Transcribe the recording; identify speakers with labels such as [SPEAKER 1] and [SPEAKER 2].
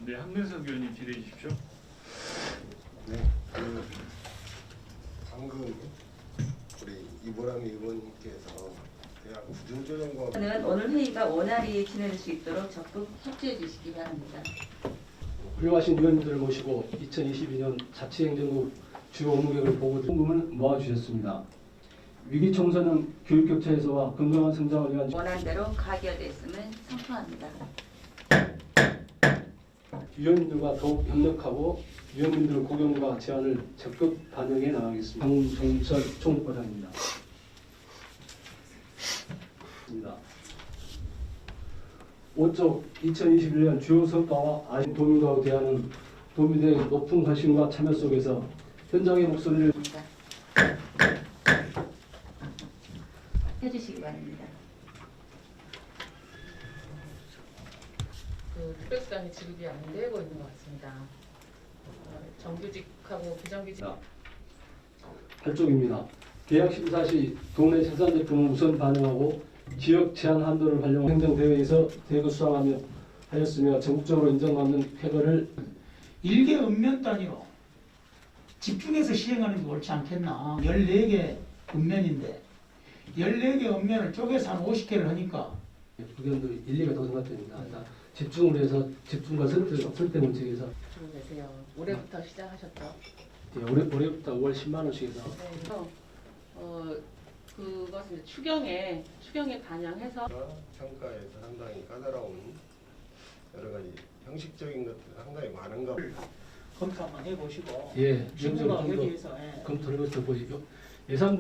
[SPEAKER 1] 네, 한근석 의원님 질의해 주십시오.
[SPEAKER 2] 네, 방금 우리 이보람이 의원님께서 대학 구조조정과
[SPEAKER 3] 저는 오늘 회의가 원활히 진행될 수 있도록 적극 협조해 주시기 바랍니다.
[SPEAKER 4] 훌륭하신 위원님들을 모시고 2022년 자치행정국 주요 업무 계획을 보고 궁금을 모아주셨습니다. 위기 청소년 교육 교차 해소와 건강한 성장을 위한
[SPEAKER 3] 원안대로 가결됐음을 선포합니다.
[SPEAKER 4] 위원님들과 더욱 협력하고 위원님들 고견과 제안을 적극 반영해 나가겠습니다. 강종철 총무과장입니다. 5쪽 2021년 주요 성과와 아닌 도민과에 대한 도민들의 높은 관심과 참여 속에서 현장의 목소리를
[SPEAKER 3] 해주시기 바랍니다.
[SPEAKER 5] 특별수당이 지급이 안 되고 있는 것 같습니다. 정규직하고 비정규직
[SPEAKER 4] 8쪽입니다. 계약 심사 시 동네 생산 제품을 우선 반영하고 지역 제한 한도를 활용 행정대회에서 대거 수상하며 하였으며 전국적으로 인정받는 쾌거를
[SPEAKER 6] 일개 읍면 단위로 집중해서 시행하는 게 옳지 않겠나. 14개 읍면인데 14개 읍면을 쪼개서 한 50개를 하니까
[SPEAKER 4] 의견도 일리가 더 생각됩니다. 집중을 해서 집중과 설대 문책에서
[SPEAKER 5] 주고 계세요. 올해부터 시작하셨죠?
[SPEAKER 4] 올해부터 5월 10만 원씩 해서
[SPEAKER 5] 네, 그래서 그것을 추경에 반영해서
[SPEAKER 2] 평가에서 상당히 까다로운 여러 가지 형식적인 것들 상당히 많은가
[SPEAKER 6] 검토 한번 해보시고
[SPEAKER 4] 예,
[SPEAKER 6] 정부가
[SPEAKER 4] 지금부터
[SPEAKER 6] 여기에서
[SPEAKER 4] 검토를 해서 보시죠. 예산